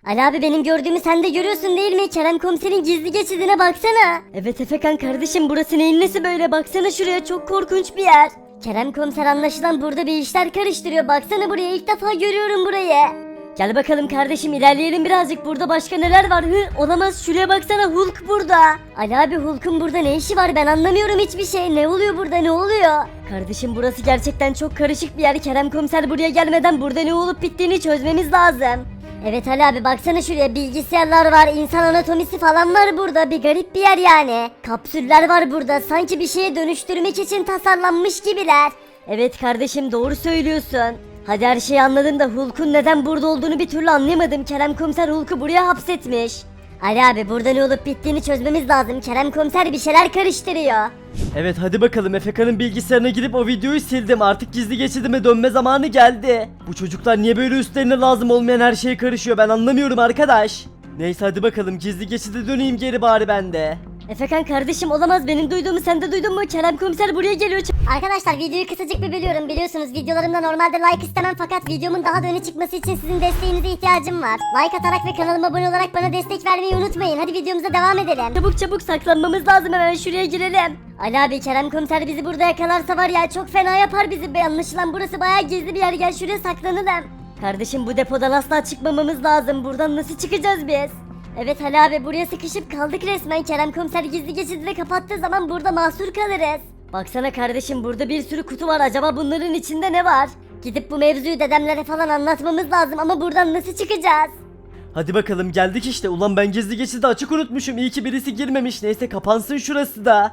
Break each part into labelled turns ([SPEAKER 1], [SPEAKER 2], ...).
[SPEAKER 1] Ali abi benim gördüğümü sen de görüyorsun değil mi? Kerem komiserin gizli geçidine baksana. Evet Efekan kardeşim burası neyin nesi böyle baksana şuraya çok korkunç bir yer. Kerem komiser anlaşılan burada bir işler karıştırıyor. Baksana buraya ilk defa görüyorum burayı. Gel bakalım kardeşim ilerleyelim birazcık. Burada başka neler var? Olamaz şuraya baksana Hulk burada. Ali abi Hulk'un burada ne işi var? Ben anlamıyorum hiçbir şey. Ne oluyor burada ne oluyor? Kardeşim burası gerçekten çok karışık bir yer. Kerem komiser buraya gelmeden burada ne olup bittiğini çözmemiz lazım. Evet Ali abi baksana şuraya bilgisayarlar var, insan anatomisi falan var burada. Bir garip bir yer yani. Kapsüller var burada. Sanki bir şeye dönüştürmek için tasarlanmış gibiler. Evet kardeşim doğru söylüyorsun. Hadi her şeyi anladım da Hulk'un neden burada olduğunu bir türlü anlayamadım. Kerem komiser Hulk'u buraya hapsetmiş. Ali abi burada ne olup bittiğini çözmemiz lazım. Kerem komiser bir şeyler karıştırıyor.
[SPEAKER 2] Evet hadi bakalım Efeka'nın bilgisayarına girip o videoyu sildim. Artık gizli geçidime dönme zamanı geldi. Bu çocuklar niye böyle üstlerine lazım olmayan her şeye karışıyor ben anlamıyorum arkadaş. Neyse hadi bakalım gizli geçide döneyim geri bari ben de.
[SPEAKER 1] Efekan kardeşim olamaz benim duyduğumu sen de duydun mu? Kerem komiser buraya geliyor. Arkadaşlar videoyu kısacık bir bölüyorum biliyorsunuz videolarımda normalde like istemem fakat videomun daha da öne çıkması için sizin desteğinize ihtiyacım var. Like atarak ve kanalıma abone olarak bana destek vermeyi unutmayın. Hadi videomuza devam edelim. Çabuk çabuk saklanmamız lazım hemen şuraya girelim. Ali abi Kerem komiser bizi burada yakalarsa var ya çok fena yapar bizi be. Anlaşılan burası bayağı gizli bir yer gel şuraya saklanalım. Kardeşim bu depodan asla çıkmamamız lazım. Buradan nasıl çıkacağız biz? Evet Ali abi buraya sıkışıp kaldık resmen. Kerem komiser gizli geçidi de kapattığı zaman burada mahsur kalırız. Baksana kardeşim burada bir sürü kutu var. Acaba bunların içinde ne var? Gidip bu mevzuyu dedemlere falan anlatmamız lazım ama buradan nasıl çıkacağız?
[SPEAKER 2] Hadi bakalım geldik işte. Ulan ben gizli geçidi açık unutmuşum. İyi ki birisi girmemiş. Neyse kapansın şurası da.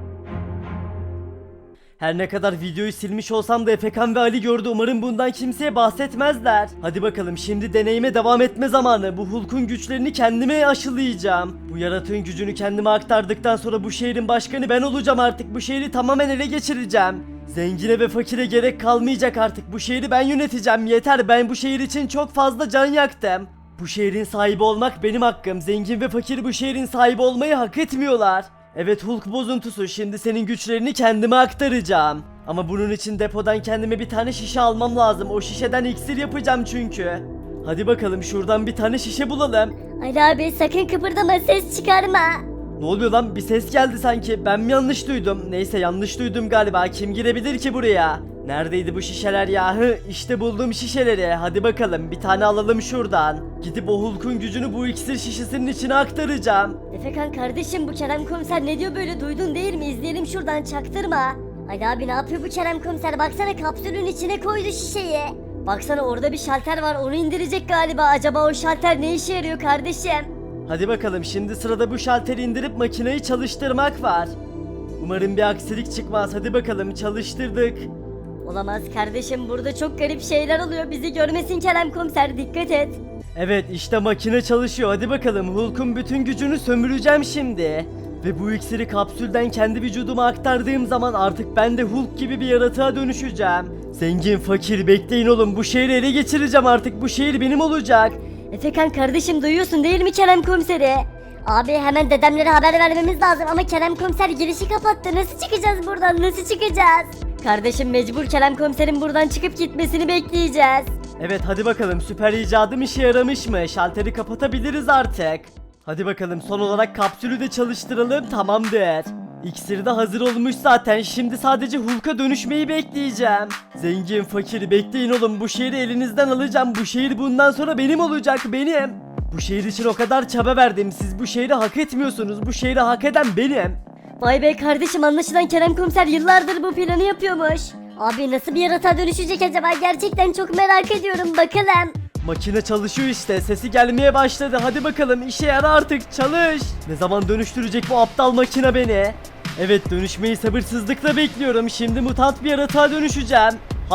[SPEAKER 2] Her ne kadar videoyu silmiş olsam da Efekan ve Ali gördü. Umarım bundan kimseye bahsetmezler. Hadi bakalım şimdi deneyime devam etme zamanı. Bu Hulk'un güçlerini kendime aşılayacağım. Bu yaratığın gücünü kendime aktardıktan sonra bu şehrin başkanı ben olacağım artık. Bu şehri tamamen ele geçireceğim. Zengine ve fakire gerek kalmayacak artık. Bu şehri ben yöneteceğim. Yeter ben bu şehir için çok fazla can yaktım. Bu şehrin sahibi olmak benim hakkım. Zengin ve fakir bu şehrin sahibi olmayı hak etmiyorlar. Evet Hulk bozuntusu şimdi senin güçlerini kendime aktaracağım. Ama bunun için depodan kendime bir tane şişe almam lazım. O şişeden iksir yapacağım çünkü. Hadi bakalım şuradan bir tane şişe bulalım.
[SPEAKER 1] Ali abi sakın kıpırdama ses çıkarma.
[SPEAKER 2] Ne oluyor lan bir ses geldi sanki ben mi yanlış duydum? Neyse yanlış duydum galiba kim girebilir ki buraya? Neredeydi bu şişeler ya? İşte buldum şişeleri. Hadi bakalım bir tane alalım şuradan. Gidip o Hulk'un gücünü bu iksir şişesinin içine aktaracağım.
[SPEAKER 1] Efekan kardeşim bu Kerem komiser ne diyor böyle duydun değil mi? İzleyelim şuradan çaktırma. Ali abi ne yapıyor bu Kerem komiser? Baksana kapsülün içine koydu şişeyi. Baksana orada bir şalter var onu indirecek galiba. Acaba o şalter ne işe yarıyor kardeşim?
[SPEAKER 2] Hadi bakalım şimdi sırada bu şalteri indirip makineyi çalıştırmak var. Umarım bir aksilik çıkmaz. Hadi bakalım çalıştırdık.
[SPEAKER 1] Olamaz kardeşim burada çok garip şeyler oluyor. Bizi görmesin Kerem komiser dikkat et.
[SPEAKER 2] Evet işte makine çalışıyor. Hadi bakalım Hulk'un bütün gücünü sömüreceğim şimdi. Ve bu iksiri kapsülden kendi vücuduma aktardığım zaman artık ben de Hulk gibi bir yaratığa dönüşeceğim. Zengin fakir bekleyin oğlum bu şehri ele geçireceğim artık bu şehir benim olacak.
[SPEAKER 1] Efekan kardeşim duyuyorsun değil mi Kerem komiseri? Abi hemen dedemlere haber vermemiz lazım ama Kerem komiser girişi kapattı. Nasıl çıkacağız buradan nasıl çıkacağız? Kardeşim mecbur Kerem komiserin buradan çıkıp gitmesini bekleyeceğiz.
[SPEAKER 2] Evet hadi bakalım süper icadım işe yaramış mı? Şalteri kapatabiliriz artık. Hadi bakalım son olarak kapsülü de çalıştıralım tamamdır. İksir de hazır olmuş zaten şimdi sadece Hulk'a dönüşmeyi bekleyeceğim. Zengin fakir bekleyin oğlum bu şehri elinizden alacağım. Bu şehir bundan sonra benim olacak benim. Bu şehir için o kadar çaba verdim siz bu şehri hak etmiyorsunuz bu şehri hak eden benim.
[SPEAKER 1] Vay be kardeşim anlaşılan Kerem komiser yıllardır bu planı yapıyormuş. Abi nasıl bir yaratığa dönüşecek acaba gerçekten çok merak ediyorum bakalım.
[SPEAKER 2] Makine çalışıyor işte sesi gelmeye başladı hadi bakalım işe yara artık çalış. Ne zaman dönüştürecek bu aptal makine beni? Evet dönüşmeyi sabırsızlıkla bekliyorum şimdi mutant bir yaratığa dönüşeceğim.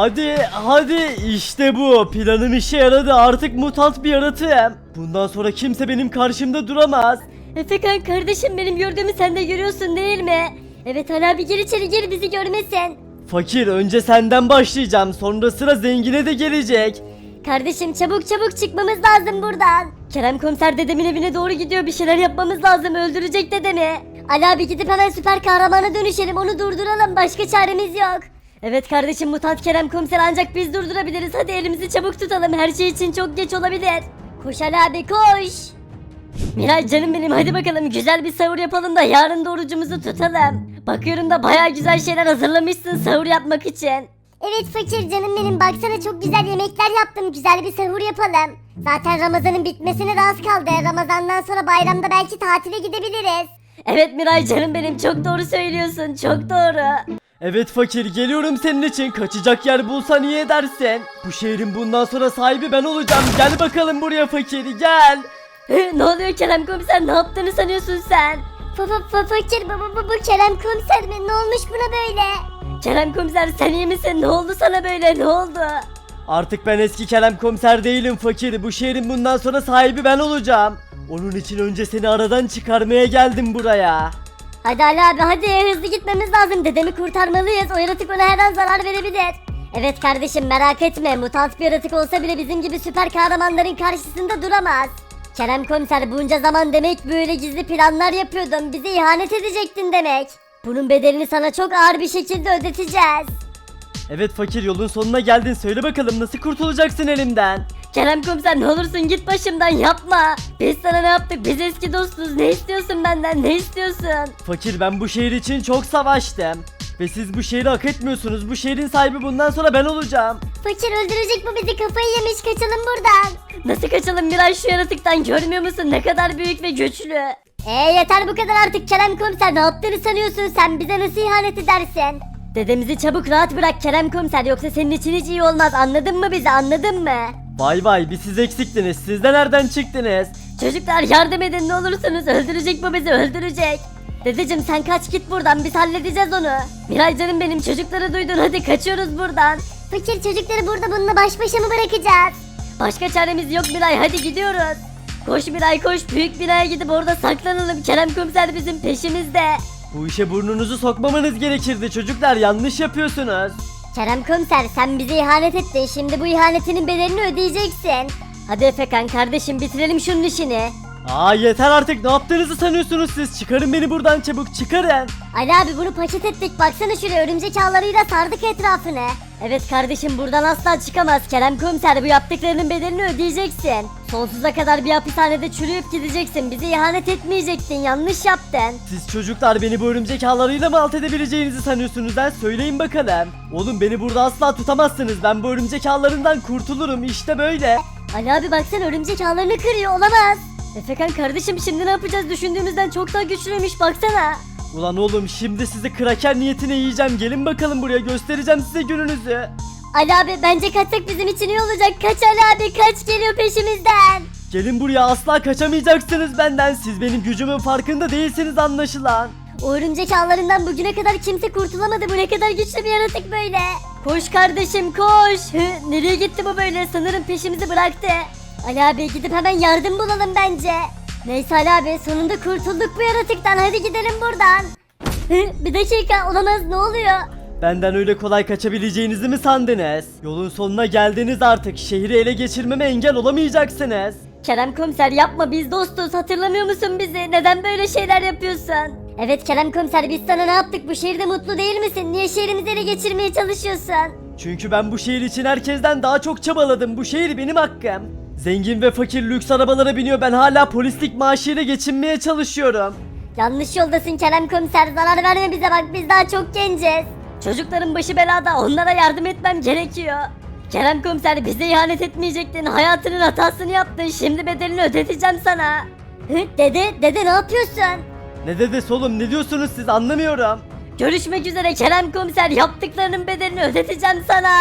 [SPEAKER 2] Hadi işte bu planım işe yaradı artık mutant bir yaratığım. Bundan sonra kimse benim karşımda duramaz.
[SPEAKER 1] Efekan kardeşim benim gördüğümü sen de görüyorsun değil mi? Evet Ali abi gir içeri gir bizi görmesin.
[SPEAKER 2] Fakir önce senden başlayacağım sonra sıra zengine de gelecek.
[SPEAKER 1] Kardeşim çabuk çabuk çıkmamız lazım buradan. Kerem komiser dedemin evine doğru gidiyor bir şeyler yapmamız lazım öldürecek dedemi. Ali abi gidip hemen süper kahramana dönüşelim onu durduralım başka çaremiz yok. Evet kardeşim mutant Kerem komiser ancak biz durdurabiliriz hadi elimizi çabuk tutalım her şey için çok geç olabilir. Koş Ali abi koş. Miray canım benim, hadi bakalım güzel bir sahur yapalım da yarın da orucumuzu tutalım. Bakıyorum da baya güzel şeyler hazırlamışsın sahur yapmak için.
[SPEAKER 3] Evet fakir canım benim, baksana çok güzel yemekler yaptım, güzel bir sahur yapalım. Zaten Ramazan'ın bitmesine de az kaldı. Ramazan'dan sonra bayramda belki tatile gidebiliriz.
[SPEAKER 1] Evet Miray canım benim, çok doğru söylüyorsun, çok doğru.
[SPEAKER 2] Evet fakir, geliyorum senin için. Kaçacak yer bulsan iyi edersin. Bu şehrin bundan sonra sahibi ben olacağım. Gel bakalım buraya fakir, gel.
[SPEAKER 1] Ne oluyor Kerem komiser, ne yaptığını sanıyorsun sen?
[SPEAKER 3] Fakir bu Kerem komiser mi? Ne olmuş buna böyle?
[SPEAKER 1] Kerem komiser sen iyi misin? Ne oldu sana böyle, ne oldu?
[SPEAKER 2] Artık ben eski Kerem komiser değilim fakir. Bu şehrin bundan sonra sahibi ben olacağım. Onun için önce seni aradan çıkarmaya geldim buraya.
[SPEAKER 1] Hadi Ali abi hadi, hızlı gitmemiz lazım, dedemi kurtarmalıyız, o yaratık ona her an zarar verebilir. Evet kardeşim merak etme, mutant bir yaratık olsa bile bizim gibi süper kahramanların karşısında duramaz. Kerem komiser bunca zaman demek böyle gizli planlar yapıyordun, bize ihanet edecektin demek. Bunun bedelini sana çok ağır bir şekilde ödeteceğiz.
[SPEAKER 2] Evet fakir, yolun sonuna geldin. Söyle bakalım nasıl kurtulacaksın elimden?
[SPEAKER 1] Kerem komiser ne olursun git başımdan, yapma. Biz sana ne yaptık, biz eski dostuz, ne istiyorsun benden, ne istiyorsun?
[SPEAKER 2] Fakir, ben bu şehir için çok savaştım. Ve siz bu şehri hak etmiyorsunuz. Bu şehrin sahibi bundan sonra ben olacağım.
[SPEAKER 3] Fakir öldürecek bu bizi, kafayı yemiş, kaçalım buradan.
[SPEAKER 1] Nasıl kaçalım Miray şu yaratıktan, görmüyor musun ne kadar büyük ve güçlü?
[SPEAKER 3] Yeter bu kadar artık Kerem komiser, ne yaptığını sanıyorsun sen, bize nasıl ihanet edersin?
[SPEAKER 1] Dedemizi çabuk rahat bırak Kerem komiser, yoksa senin için hiç iyi olmaz, anladın mı bizi, anladın mı?
[SPEAKER 2] Vay vay, bir siz eksiktiniz. Siz de nereden çıktınız?
[SPEAKER 1] Çocuklar yardım edin ne olursunuz, öldürecek bu bizi, öldürecek. Dedeciğim sen kaç git buradan, biz halledeceğiz onu. Miray canım benim, çocukları duydun, hadi kaçıyoruz buradan.
[SPEAKER 3] Fakir çocukları burada bununla baş başa mı bırakacağız?
[SPEAKER 1] Başka çaremiz yok Miray, hadi gidiyoruz. Koş Miray koş, büyük binaya gidip orada saklanalım, Kerem komiser bizim peşimizde.
[SPEAKER 2] Bu işe burnunuzu sokmamanız gerekirdi çocuklar. Yanlış yapıyorsunuz.
[SPEAKER 3] Kerem komiser sen bize ihanet ettin, şimdi bu ihanetinin bedelini ödeyeceksin.
[SPEAKER 1] Hadi Efekan kardeşim bitirelim şunun işini.
[SPEAKER 2] Aa yeter artık, ne yaptığınızı sanıyorsunuz siz? Çıkarın beni buradan, çabuk çıkarın.
[SPEAKER 3] Ali abi bunu paket ettik, baksana şuraya, örümcek ağlarıyla sardık etrafını.
[SPEAKER 1] Evet kardeşim buradan asla çıkamaz, Kerem komiser bu yaptıklarının bedelini ödeyeceksin. Sonsuza kadar bir hapishanede çürüyüp gideceksin, bize ihanet etmeyecektin, yanlış yaptın.
[SPEAKER 2] Siz çocuklar beni bu örümcek ağlarıyla mı alt edebileceğinizi sanıyorsunuz ha? Söyleyin bakalım. Oğlum beni burada asla tutamazsınız. Ben bu örümcek ağlarından kurtulurum, işte böyle.
[SPEAKER 1] Ali abi baksana örümcek ağlarını kırıyor, olamaz. Efekan kardeşim şimdi ne yapacağız, düşündüğümüzden çok daha güçlüymüş baksana.
[SPEAKER 2] Ulan oğlum, şimdi sizi kraker niyetine yiyeceğim. Gelin bakalım buraya, göstereceğim size gününüzü.
[SPEAKER 1] Ali abi bence kaçsak bizim için iyi olacak, kaç Ali abi kaç, geliyor peşimizden.
[SPEAKER 2] Gelin buraya, asla kaçamayacaksınız benden. Siz benim gücümün farkında değilsiniz anlaşılan.
[SPEAKER 1] O örümcek ağlarından bugüne kadar kimse kurtulamadı, bu ne kadar güçlü bir yaratık böyle. Koş kardeşim koş. Nereye gitti bu böyle, sanırım peşimizi bıraktı. Ali abi gidip hemen yardım bulalım bence. Neyse Ali abi sonunda kurtulduk bu yaratıktan, hadi gidelim buradan. Bir dakika, olamaz, ne oluyor?
[SPEAKER 2] Benden öyle kolay kaçabileceğinizi mi sandınız? Yolun sonuna geldiniz artık. Şehri ele geçirmeme engel olamayacaksınız.
[SPEAKER 1] Kerem komiser yapma, biz dostuz, hatırlamıyor musun bizi? Neden böyle şeyler yapıyorsun?
[SPEAKER 3] Evet Kerem komiser biz sana ne yaptık, bu şehirde mutlu değil misin? Niye şehrimizi ele geçirmeye çalışıyorsun?
[SPEAKER 2] Çünkü ben bu şehir için herkesten daha çok çabaladım. Bu şehir benim hakkım. Zengin ve fakir lüks arabalara biniyor. Ben hala polislik maaşıyla geçinmeye çalışıyorum.
[SPEAKER 3] Yanlış yoldasın Kerem komiser, zarar verme bize, bak biz daha çok genciz.
[SPEAKER 1] Çocukların başı belada, onlara yardım etmem gerekiyor. Kerem komiser bize ihanet etmeyecektin, hayatının hatasını yaptın, şimdi bedelini ödeteceğim sana.
[SPEAKER 3] Dede ne yapıyorsun?
[SPEAKER 2] Ne dedesi oğlum, ne diyorsunuz siz, anlamıyorum.
[SPEAKER 1] Görüşmek üzere Kerem komiser, yaptıklarının bedelini ödeteceğim sana.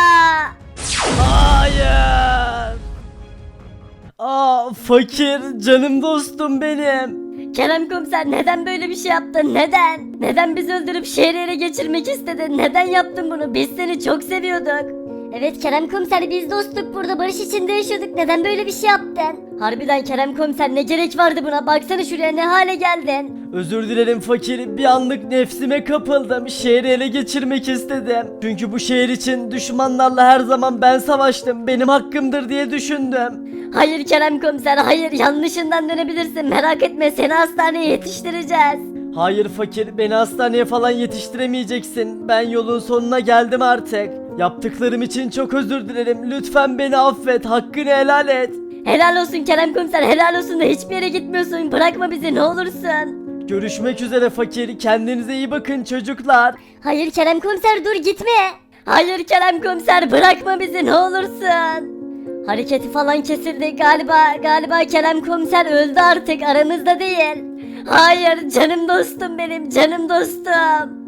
[SPEAKER 2] Hayır. Aa fakir, canım dostum benim.
[SPEAKER 1] Kerem komiser neden böyle bir şey yaptın, neden? Neden bizi öldürüp şehri ele geçirmek istedin, neden yaptın bunu, biz seni çok seviyorduk.
[SPEAKER 3] Evet Kerem komiser biz dostluk, burada barış içinde yaşıyorduk, neden böyle bir şey yaptın?
[SPEAKER 1] Harbiden Kerem komiser ne gerek vardı buna, baksana şuraya ne hale geldin.
[SPEAKER 2] Özür dilerim fakir, bir anlık nefsime kapıldım. Şehri ele geçirmek istedim. Çünkü bu şehir için düşmanlarla her zaman ben savaştım. Benim hakkımdır diye düşündüm.
[SPEAKER 1] Hayır Kerem komiser hayır, yanlışından dönebilirsin, merak etme, seni hastaneye yetiştireceğiz.
[SPEAKER 2] Hayır fakir, beni hastaneye falan yetiştiremeyeceksin. Ben yolun sonuna geldim artık. Yaptıklarım için çok özür dilerim. Lütfen beni affet, hakkını helal et.
[SPEAKER 1] Helal olsun Kerem komiser, helal olsun da hiçbir yere gitmiyorsun. Bırakma bizi ne olursun.
[SPEAKER 2] Görüşmek üzere fakir. Kendinize iyi bakın çocuklar.
[SPEAKER 1] Hayır Kerem komiser, dur gitme. Hayır Kerem komiser, bırakma bizi ne olursun. Hareketi falan kesildi galiba Kerem komiser öldü, artık aramızda değil. Hayır canım dostum, benim canım dostum.